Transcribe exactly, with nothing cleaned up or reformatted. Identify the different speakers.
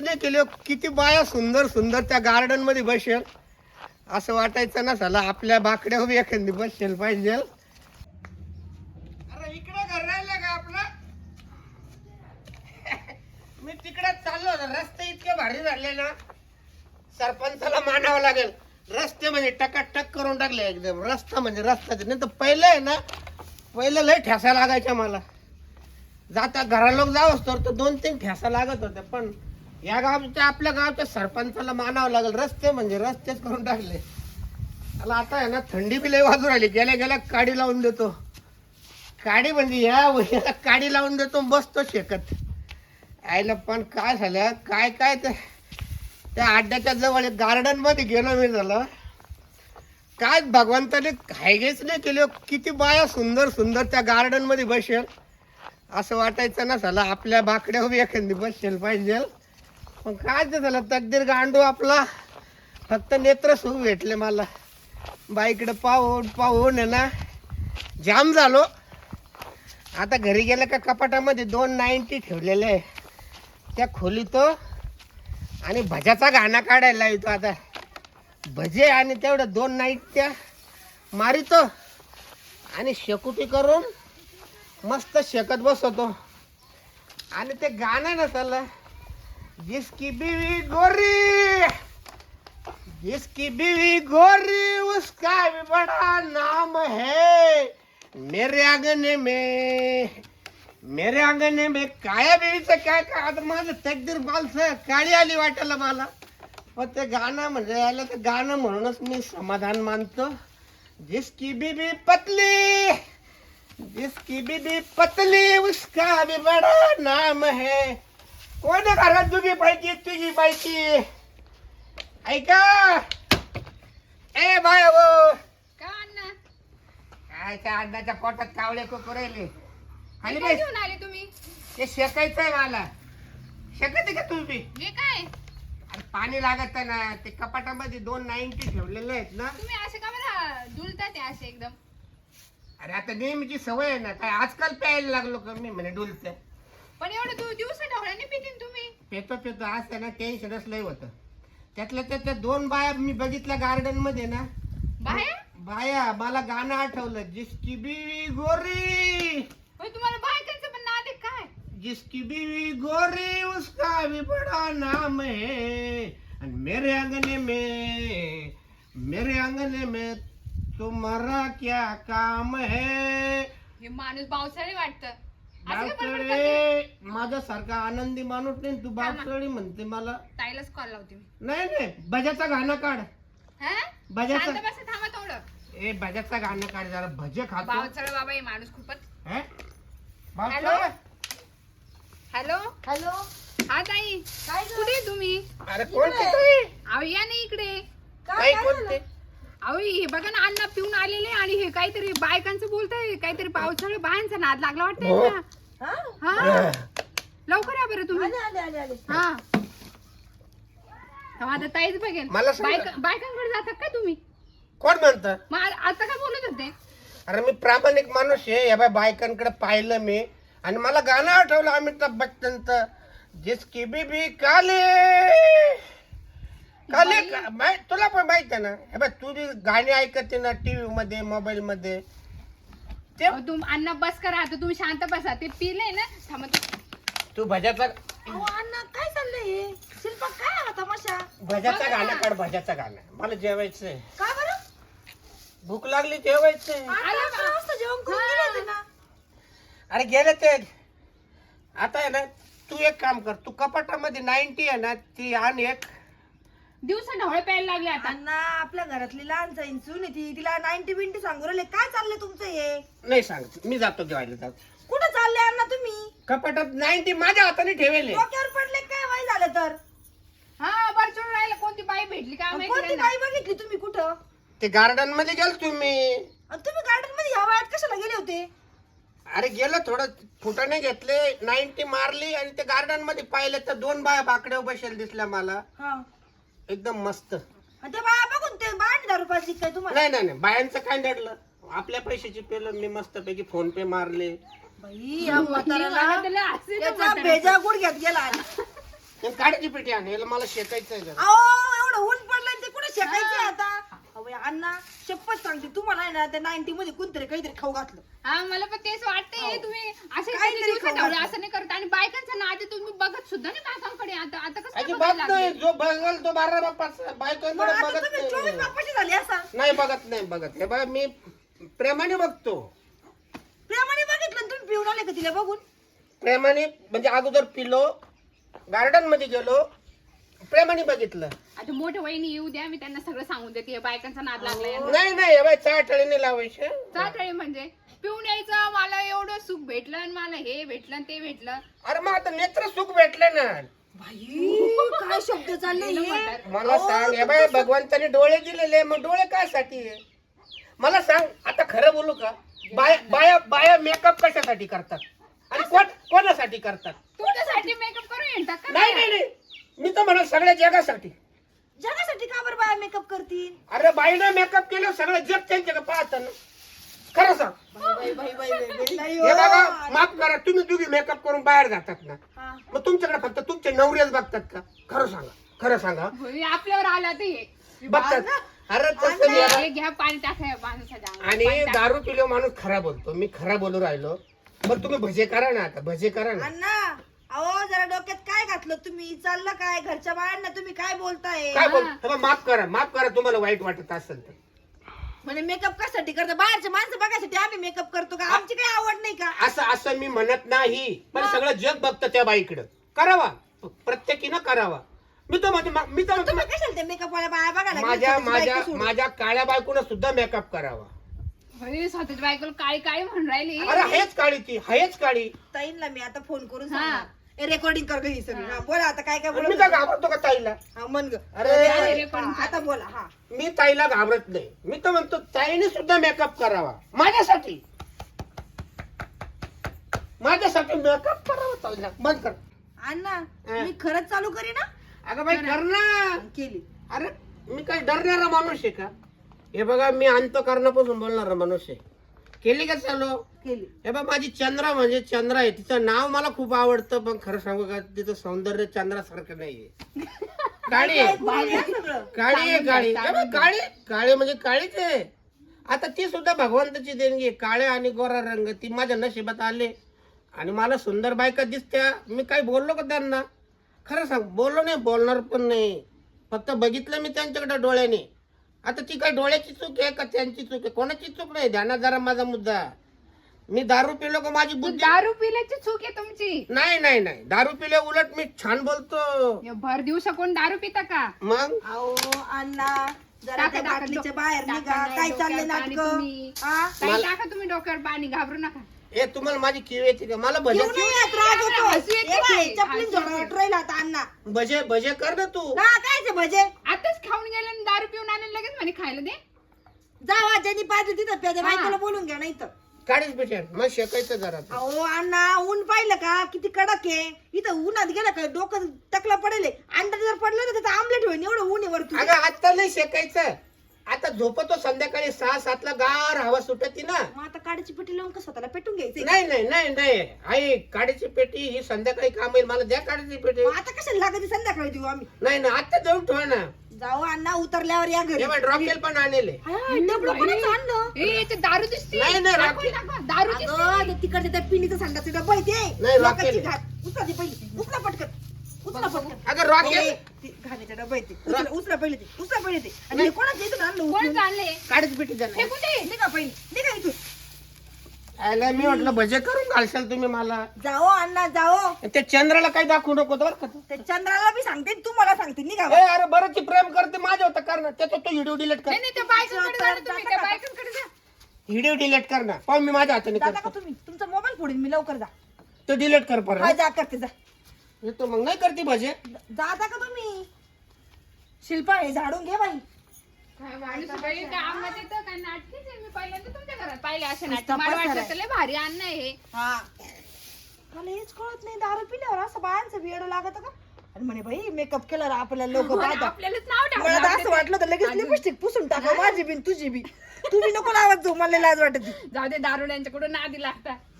Speaker 1: नाही केली. किती बाया सुंदर सुंदर त्या गार्डन मध्ये बसेल असं वाटायचं ना. साला आपल्या बाकड्या उभी एखादी बसेल पाहिजे. अरे इकडे घर राहिलं का आपलं? मी तिकडे चाललो होतो. रस्ते इतके भारी झाले ना, सरपंचाला मानावं लागेल. रस्ते म्हणजे टकाटक करून टाकले एकदम. रस्ता म्हणजे रस्ताच नाही तर पहिलं आहे ना, पहिलं लय ठेसा लागायच्या मला. जाता घरा लोक जाऊ असतो तर दोन तीन ठेसा लागत होते. पण या गावच्या आपल्या गावच्या सरपंचाला मानावं लागेल. रस्ते म्हणजे रस्तेच करून टाकले. मला आता आहे ना थंडी बी लय वाजू राहिली. गेल्या गेल्या काडी लावून देतो. काडी म्हणजे या वयाला काडी लावून देतो, बसतो शेकत. आईला पण काय झालं काय काय ते त्या अड्ड्याच्या जवळ एक गार्डन मध्ये गेलो मी. झालं काय भगवंताने हायगेच नाही केली. किती बाया सुंदर सुंदर त्या गार्डन मध्ये बसेल असं वाटायचं ना. साला आपल्या बाकड्या उभी एखादी बसेल पाहिजे. पण काय ते झालं तकदीर गांडू आपला. फक्त नेत्र सुख भेटले मला. बाईकडे पाहून पाहून आहे ना जाम झालो. आता घरी गेलं का कपाटामध्ये दोन नाईन्टी ठेवलेले आहे त्या खोलीतो आणि भज्याचा गाणं काढायला येतो. आता भजे आणि तेवढं दोन नाईट त्या मारितो आणि शेकुटी करून मस्त शेकत बसवतो. आणि ते गाणं नसलं, जिसकी बीवी गोरी जिसकी बीवी गोरी उसका भी बड़ा नाम है. मेरे अंगने में मेरे अंगने में काया बीवीचं काय काय. आता माझं तकदीर बालसं काळी आली वाटायला मला. पण ते गाणं म्हणजे आलं ते गाणं म्हणूनच मी समाधान मानतो. जिसकी बीबी पतली जिसकी बीबी पतली उसका भी बड़ा नाम है. कोण घरात तुझी पाहिजे तुझी पाहिजे ऐका. ए बाय वो काय त्या अंड्याच्या पोटात कावळे कुकुरेले खाली
Speaker 2: काय घेऊन आले तुम्ही?
Speaker 1: ते शेकायचंय मला. शेकते का तुम्ही?
Speaker 2: हे काय
Speaker 1: अरे पाणी लागत आहे ना. ते कपाटामध्ये दोन नाईन्टी ठेवलेले आहेत ना.
Speaker 2: तुम्ही असे का बरं डुलतात ते असे एकदम?
Speaker 1: अरे आता नेहमीची सवय आहे ना. काय आजकाल प्यायला लागलो का मी म्हणे डुलते.
Speaker 2: पण एवढं दु दिवस ढवळ्याने पितीन तुम्ही?
Speaker 1: पेतो पेतो आज त्यांना टेन्शनच लय होतं. त्यातल्या त्यातल्या दोन बाया मी बघितल्या गार्डन मध्ये ना.
Speaker 2: बाहेर
Speaker 1: बाया मला गाणं आठवलं. जिसकी बीवी गोरी
Speaker 2: होय, तुम्हाला बायकांचं पण नाद आहे काय?
Speaker 1: जिसकी बीवी गोरी उसका भी बड़ा नाम है. और मेरे अंगने में मेरे अंगने में तुम्हारा क्या काम है.
Speaker 2: हे माणूस पावसाळी वाटतं. असं का बडबड करते?
Speaker 1: बापरे माझ्यासारखा आनंदी माणूस नाही. तू बापसळी म्हणते मला.
Speaker 2: ताईलाच कॉल लावते मी.
Speaker 1: नाही नाही भज्याचा गाणं काढ.
Speaker 2: हा?
Speaker 1: भज्याचं-
Speaker 2: शांत बसा, थांबा थोडं.
Speaker 1: ए भज्याचा गाणं काढ जरा. भजे खातो.
Speaker 2: पावसाळा बाबा हे माणूस खूपच.
Speaker 1: हे?
Speaker 2: हॅलो
Speaker 1: बापरे.
Speaker 2: हॅलो
Speaker 3: हॅलो
Speaker 2: हा ताई,
Speaker 3: काय ग?
Speaker 2: कुठे आहे तुम्ही?
Speaker 1: अरे कोणते ताई?
Speaker 2: अहो या नाही इकडे.
Speaker 3: काय
Speaker 1: ताई
Speaker 3: काय
Speaker 1: कोणते?
Speaker 2: अहो हे बघा ना, अन्न पिऊन आलेले आणि हे काहीतरी बायकांचं बोलतंय. काहीतरी पावसाळ्या बायांचा नाद लागला वाटतंय
Speaker 1: हो.
Speaker 2: ना.
Speaker 3: हा?
Speaker 2: हा लवकर या बरं तुम्ही.
Speaker 3: आले आले आले आले
Speaker 2: हा तेव्हा आता ताईच बघेल.
Speaker 1: मला सांगा.
Speaker 2: बायका- बायकांकडे जातात काय तुम्ही?
Speaker 1: कोण म्हणत?
Speaker 2: मग आ- आता काय बोलत होते?
Speaker 1: अरे मी प्रामाणिक माणूस आहे. या बाय बायकांकडे पाहिलं मी आणि मला गाणं आठवलं अमिताभ बच्चनचं. जिसकी बीबी काले काले का- माहि- तुला पण माहित आहे ना. हे बाय तू जी गाणी ऐकते ना टीव्ही मध्ये मोबाईल मध्ये ते
Speaker 2: अहो, तुम अन्न बस करा आता. तुम्ही शांत बसा. ते पिले ना. थांबा तू.
Speaker 1: तू भज्याचा
Speaker 3: अहो अण्णा काय चाललंय हे? शिल्पा काय हा तमाशा?
Speaker 1: भज्याचं
Speaker 2: बघा
Speaker 1: गाणं
Speaker 2: ना.
Speaker 1: काढ. भज्याचं गाणं मला जेवायचंय.
Speaker 3: का बरं?
Speaker 1: भूक लागली जेवायचंय.
Speaker 3: आठ अकरा वाजता जेवण करून गेले होते ना.
Speaker 1: अरे गेले ते. आता आहे ना तू एक काम कर. तू कपाटामध्ये नाईन्टी आहे ना ती आण एक.
Speaker 2: दिवसा ढवळे प्यायला लागले आता.
Speaker 3: अण्णा आपल्या घरातली लहान जाईन सून आहे ती. तिला नाईन्टी बिंटी सांगू राहिले. काय चाललंय तुमचं हे?
Speaker 1: नाही सांगत मी जातो जेवायला जातो.
Speaker 3: कुठं चालले अण्णा तुम्ही?
Speaker 1: कपाटात नाईन्टी माझ्या हाताने ठेवले.
Speaker 3: डोक्यावर पडले काय वय झालं तर?
Speaker 2: हा बरं चढून राहिलं. कोणती बाई भेटली काय
Speaker 3: अहो,
Speaker 2: माहिती
Speaker 3: कोणती
Speaker 2: त्यांना.
Speaker 3: बाई बघितली तुम्ही कुठं?
Speaker 1: ते गार्डन मध्ये गेल तुम्ही.
Speaker 3: आणि तुम्ही गार्डन मध्ये ह्या वयात कशाला गेले होते?
Speaker 1: अरे गेलो थोडं फुटाने घेतले नाईन्टी मारली आणि ते गार्डन मध्ये पाहिले तर दोन बाया बाकड्या बसेल दिसल्या मला.
Speaker 3: हा
Speaker 1: एकदम मस्त.
Speaker 3: आणि ते बाया बघून ते बाया दहा रुपयाची काय तुम्हाला?
Speaker 1: नाही नाही नाही बायांचं काय नडलं. आपल्या पैशाची पेलं मी मस्त पैकी फोन पे मारले.
Speaker 3: बाई या म्हाताऱ्याला
Speaker 2: मला त्याला हसू येतं
Speaker 3: त्याचा
Speaker 2: म्हाताऱ्याचं.
Speaker 3: भेजा गुड घेत गेला.
Speaker 1: आणि काड्याची पेटी आण, याला मला शेकायचंय जरा.
Speaker 3: अहो एवढं ऊन पडलंय ते कुठे शेकायचं आता? अहो अण्णा शपथ सांगते तुम्हाला आहे ना त्या नाईन्टी मध्ये कोणतरी काहीतरी खाऊ घातलं.
Speaker 2: हा मला पण तेच वाटतंय
Speaker 3: हो.
Speaker 2: तुम्ही असे
Speaker 3: काहीतरी
Speaker 2: काहीतरी दिवस
Speaker 3: खाऊ
Speaker 2: ठेवले,
Speaker 3: घातलं.
Speaker 2: असं नाही करत. आणि बायकांचं नाद तुम्ही बघत सुद्धा नाही बायकांकडे. आता आता कसं काय
Speaker 1: अजिबात
Speaker 2: बघायला
Speaker 1: नाही,
Speaker 2: लागले?
Speaker 1: जो बघल तो बारा बापाच
Speaker 3: मग
Speaker 1: बायकोकडे
Speaker 3: आता
Speaker 1: बघत
Speaker 3: तुम्ही चोवीस
Speaker 1: नाही.
Speaker 3: बापाची झाली असा.
Speaker 1: नाही बघत नाही बघत हे बघा मी प्रेमाने बघतो.
Speaker 3: प्रेमाने बघितलं आणि तुम्ही पिऊन आले का तिला बघून?
Speaker 1: प्रेमाने म्हणजे अगोदर पिलो, गार्डन मध्ये गेलो, प्रेमाने बघितलं.
Speaker 2: आता मोठ्या वहिनी येऊ द्या, मी त्यांना सगळं सांगून देते बायकांचा नाद लागलाय यांना.
Speaker 1: नाही नाही हे बाय चाटळीने लावायचे.
Speaker 2: चाटळे म्हणजे पिऊन यायचं, मला एवढं सुख भेटलं आणि मला हे भेटलं आणि ते भेटलं.
Speaker 1: अरे मग आता नेत्र सुख भेटले ना.
Speaker 3: बाई काय शब्द चालले हे?
Speaker 1: मला
Speaker 3: अहो,
Speaker 1: सांग हे बाय भगवंताने डोळे दिलेले, मग डोळे काय साठी आहे? मला सांग आता खरं बोलू का, बाया बाया बाया मेकअप कशासाठी करतात आणि कोण कोणासाठी करतात?
Speaker 2: तुझ्यासाठी मेकअप करून येतात का?
Speaker 1: नाही नाही नाही, मी तर म्हणा सगळ्या जगासाठी.
Speaker 3: जगासाठी का बरं बाया मेकअप करतील?
Speaker 1: अरे बाईनं मेकअप केलं सगळं जग त्यांच्याकडे पाहतं ना. खरं सांग.
Speaker 3: बाई बाई बाई बाई बाई, नाही
Speaker 1: हे बघा
Speaker 3: हो.
Speaker 1: माफ करा, तुम्ही दोघी मेकअप करून बाहेर जातात ना,
Speaker 3: हा.
Speaker 1: मग तुमच्याकडे फक्त तुमचे नवरेच बघतात का? खरं सांगा, खरं सांगा.
Speaker 2: होय, आपल्यावर आला ते हे.
Speaker 1: बघतात. अरे तसं मी
Speaker 2: हे घ्या पाणी टाकाय माणसाच्या अंगावर.
Speaker 1: आणि
Speaker 2: पाणी टाका.
Speaker 1: दारू पिलो माणूस खरा बोलतो, मी खरा बोलू राहिलो. बरं तुम्ही भजे करा ना, आता भजे करा ना.
Speaker 3: अण्णा अहो जरा डोक्यात काय घातलं तुम्ही? चाललं काय? घरच्या बायांना तुम्ही काय बोलताय?
Speaker 1: काय बोल हे बघ, माफ करा माफ करा, तुम्हाला वाईट वाटत असेल तर.
Speaker 3: म्हणजे मेकअप कशासाठी करता? बाहेरचे माणसं बघायसाठी आम्ही मेकअप करतो का? आमची काही आवड नाही का?
Speaker 1: असं असं मी म्हणत नाही, पण सगळं जग बघतं त्या बाईकडं. करावा, प्रत्येकीनं करावा. मी तर म्हणजे मी तर
Speaker 3: तुम्ही
Speaker 1: म्हणतो
Speaker 3: कशाला ते मेकअप वाल्या बाया बघायला
Speaker 1: माझ्या
Speaker 3: गेली?
Speaker 1: माझ्या
Speaker 3: बायको सोडून.
Speaker 1: माझ्या काळ्या बायकोनं सुद्धा मेकअप करावा.
Speaker 2: होय, स्वतःच्या बायकोला काळी काळी म्हणून राहिली.
Speaker 1: अरे हेच काळी ती हेच काळी.
Speaker 3: ताईंना मी आता फोन करून
Speaker 2: हा.
Speaker 3: सांगणार. रेकॉर्डिंग कर गं ही सगळी.
Speaker 2: हा.
Speaker 3: हा, बोला आता काय काय
Speaker 1: मी
Speaker 3: बोलत
Speaker 1: काय
Speaker 3: होते?
Speaker 1: घाबरतो का ताईला?
Speaker 3: हा, म्हण गं.
Speaker 1: अरे,
Speaker 3: रेकॉर्डिंग.
Speaker 2: रेकॉर्डिंग
Speaker 3: हा, आता बोला. हा
Speaker 1: मी ताईला घाबरत नाही. मी तर म्हणतो ताईने सुद्धा मेकअप करावा माझ्यासाठी. माझ्यासाठी मेकअप करावा ताईला. बंद कर.
Speaker 3: अण्णा
Speaker 1: हा.
Speaker 3: मी खरंच चालू करी ना?
Speaker 1: अगं बाई कर ना.
Speaker 3: केली.
Speaker 1: अरे मी काय डरणारा माणूस आहे का? हे बघा मी अंतःकरणापासून बोलणारा माणूस आहे. केली का चालू?
Speaker 3: केली.
Speaker 1: हे बघ माझी चंद्रा म्हणजे चंद्रा आहे, तिचं नाव मला खूप आवडतं, पण खरं सांगू का तिचं सौंदर्य चंद्रासारखं नाहीये. काळी आहे.
Speaker 3: बोलली ना सगळं.
Speaker 1: काळी आहे काळी. हे बघ, काळी काळी म्हणजे काळीच आहे. आता ती सुद्धा भगवंताची देणगी आहे. काळे आणि गोरा रंग ती माझ्या नशिबात आले आणि मला सुंदर बायका दिसत्या. मी काही बोललो का त्यांना? खरं सांग बोललो नाही, बोलणार पण नाही. फक्त बघितलं मी त्यांच्याकडे डोळ्याने. आता ती काय डोळ्याची चूक आहे का त्यांची चूक आहे? कोणाची चूक नाही. ध्यानात जरा माझा मुद्दा. मी दारू पिलो का माझी
Speaker 2: तू
Speaker 1: बुद्धी?
Speaker 2: दारू पिल्याची चूक आहे तुमची.
Speaker 1: नाही नाही नाही, दारू पिल्या उलट मी छान बोलतो.
Speaker 2: हे भर दिवसा कोण दारू पिता का?
Speaker 1: मग
Speaker 3: अहो अण्णा जरा
Speaker 2: टाका,
Speaker 3: त्या
Speaker 2: टाका,
Speaker 3: बाटलीच्या
Speaker 2: डोक्यात
Speaker 3: बाहेर
Speaker 2: टाका,
Speaker 3: निघा.
Speaker 2: नाही,
Speaker 3: काय
Speaker 2: डोक्यात
Speaker 3: चाललंय
Speaker 2: पाणी
Speaker 3: नाटक?
Speaker 2: तुम्ही.
Speaker 3: हा?
Speaker 2: ताई टाका तुम्ही डोक्यावर पाणी, घाबरू नका.
Speaker 1: हे तुम्हाला माझी किव येते का? मला भजे
Speaker 3: घेऊन नाही येत, राग येतो.
Speaker 2: हसू येते
Speaker 3: हे बाई,
Speaker 2: की?
Speaker 3: चपलीन
Speaker 2: हसू
Speaker 3: झोडा
Speaker 2: येते.
Speaker 3: वाटून आता अण्णा.
Speaker 1: भजे भजे कर ना तू.
Speaker 3: हा कायचे भजे?
Speaker 2: आताच खाऊन गेले आणि दारू पिऊन आले लगेच म्हणे खायला दे.
Speaker 3: जावा ज्यांनी पाहिजे तिथं प्यादे
Speaker 2: हा.
Speaker 3: बायकोला बोलून घ्या नाही तर.
Speaker 1: काढीच पिठ्या मग शेकायचं जरा.
Speaker 3: अहो अण्णा ऊन पाहिलं का किती कडक आहे? इथं उन्हात गेलं का डोकं टकला पडेल. अंडा जर पडलं ना त्याचं आमलेट होईल. एवढं ऊन आहे वरतून.
Speaker 1: अगं आता नाही शेकायचं. आता झोपतो संध्याकाळी सहा सातला गार हवा सुटती ना.
Speaker 3: मग आता काडीची पेटी लावून कसं स्वतःला पेटून घ्यायचं?
Speaker 1: नाही नाही नाही नाही आई काडीची पेटी ही संध्याकाळी काम येईल. मला द्या काडीची पेटी.
Speaker 3: आता कशाला लागत संध्याकाळी देऊ आम्ही?
Speaker 1: नाही ना आता जाऊन ठेवा ना.
Speaker 3: जाऊ अण्णा उतरल्यावर या घरी.
Speaker 1: हे रॉकेल पण आणले.
Speaker 3: हा, डबलं कोणाचं आणलं?
Speaker 2: ए याचे दारू दिसते.
Speaker 1: नाही, नाही,
Speaker 2: दाखव,
Speaker 1: राखी.
Speaker 2: दाखव. दारू दिसते.
Speaker 3: अगं, ते तिकडचे त्या पिनीचं सांगायचं डब्बा आहे ते.
Speaker 1: नाही,
Speaker 3: लोकांची
Speaker 1: रॉकेल.
Speaker 3: घाट. उचला ते पहिले. उचला पटकन. उचला पटकन.
Speaker 1: अगं रॉकेल
Speaker 3: ए, ते घाण्याचा डब्बा आहे ते. उचला उचला पहिले ते. उचला पहिले ते. आणि हे कोणाचं इथून आणलं
Speaker 2: कोण
Speaker 3: उचलून?
Speaker 2: जाणले?
Speaker 1: काडीची पेटी द्या ना.
Speaker 2: फेकून दे.
Speaker 3: निघा पहिले. निघा इथून.
Speaker 1: आयला मी म्हटलं भजे करून घालशाल तुम्ही मला.
Speaker 3: जाओ अण्णा जाओ.
Speaker 1: त्या चंद्राला काही दाखवू नको बरं का तू.
Speaker 3: ते चंद्राला बी सांगते तू मला सांगते. निघा
Speaker 1: ए अरे बरं ती प्रेम करते माझ्या होता कर ना. त्याचा तो व्हिडिओ डिलीट कर.
Speaker 2: नाही नाही त्या बायकांकडे जा ना तुम्ही. त्या बायकांकडे जा.
Speaker 1: व्हिडिओ डिलीट कर ना. पाहू मी माझ्या हाताने
Speaker 3: जाता का
Speaker 1: करतो.
Speaker 3: तुम्ही? तुमचा मोबाईल फोडीन मी. लवकर जा.
Speaker 1: तो डिलीट कर
Speaker 3: हा
Speaker 1: परत.
Speaker 3: जा करते जा.
Speaker 1: येतो मग नाही करते भजे.
Speaker 3: जाता का तुम्ही? शिल्पा हे झाडून घे बाई.
Speaker 2: काय माणूस बाई, काय अंगात येतं, काय नाटकीच आहे. मी पहिल्यांदा तुमच्या घरात पाहिले असे नाटक.
Speaker 3: नुसता
Speaker 2: मला
Speaker 3: पसारा
Speaker 2: वाटलं
Speaker 3: आहे.
Speaker 2: तर लय भारी अन्न आहे हे.
Speaker 3: हा मला हेच कळत नाही. दारू पिल्यावर असं बायांचं वेड लागत का? आणि म्हणे बाई मेकअप केल्यावर आपल्याला लोक
Speaker 2: आणि
Speaker 3: पाहतात.
Speaker 2: आपल्यालाच नाव ठेवलं
Speaker 3: मला तर
Speaker 2: आपल्या
Speaker 3: असं वाटलं तर लगेच
Speaker 2: अजून-
Speaker 3: लिपस्टिक पुसून टाका. माझी बी आणि तुझी बी. तुम्ही नको लावत जाऊ. मला लाज वाटत.
Speaker 2: जाऊ दे दारुड्यांच्याकडून नादी लागतात.